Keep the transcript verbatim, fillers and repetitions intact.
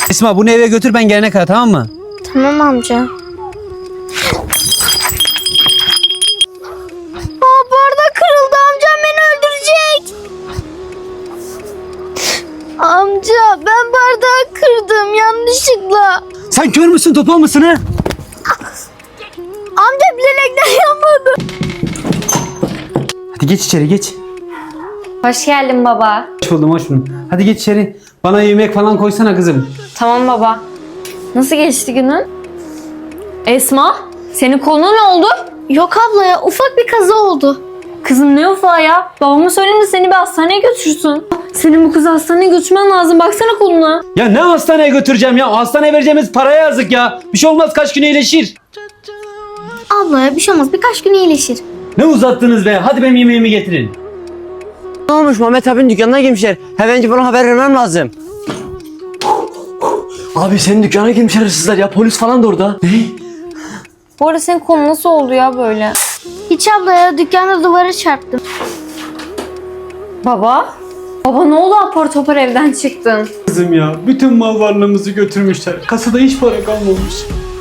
Esma bunu eve götür ben gelene kadar, tamam mı? Tamam amca. Aa, bardak kırıldı, amcam beni öldürecek. Amca ben bardağı kırdım yanlışlıkla. Sen kör müsün topal mısın ha? Amca bilerekten yapmadı. Hadi geç içeri geç. Hoş geldin baba. Hoş buldum hoş buldum. Hadi geç içeri. Bana yemek falan koysana kızım. Tamam baba. Nasıl geçti günün? Esma, senin koluna ne oldu? Yok abla ya, ufak bir kaza oldu. Kızım ne ufağı ya? Babama söyleyeyim de seni bir hastaneye götürsün. Senin bu kızı hastaneye götürmen lazım. Baksana koluna. Ya ne hastaneye götüreceğim ya? Hastaneye vereceğimiz paraya yazık ya. Bir şey olmaz, kaç gün iyileşir. Abla ya bir şey olmaz, birkaç gün iyileşir. Ne uzattınız be? Hadi benim yemeğimi getirin. Ne olmuş, Mehmet abinin dükkanına girmişler. Hemen bana haber vermem lazım. Abi senin dükkana girmişler hırsızlar ya, polis falan da orada. Ne? Bu arada senin kolun nasıl oldu ya böyle? Hiç abla ya, dükkanda duvara çarptım. Baba? Baba ne oldu, apar topar evden çıktın? Kızım ya, bütün mal varlığımızı götürmüşler. Kasada hiç para kalmamış.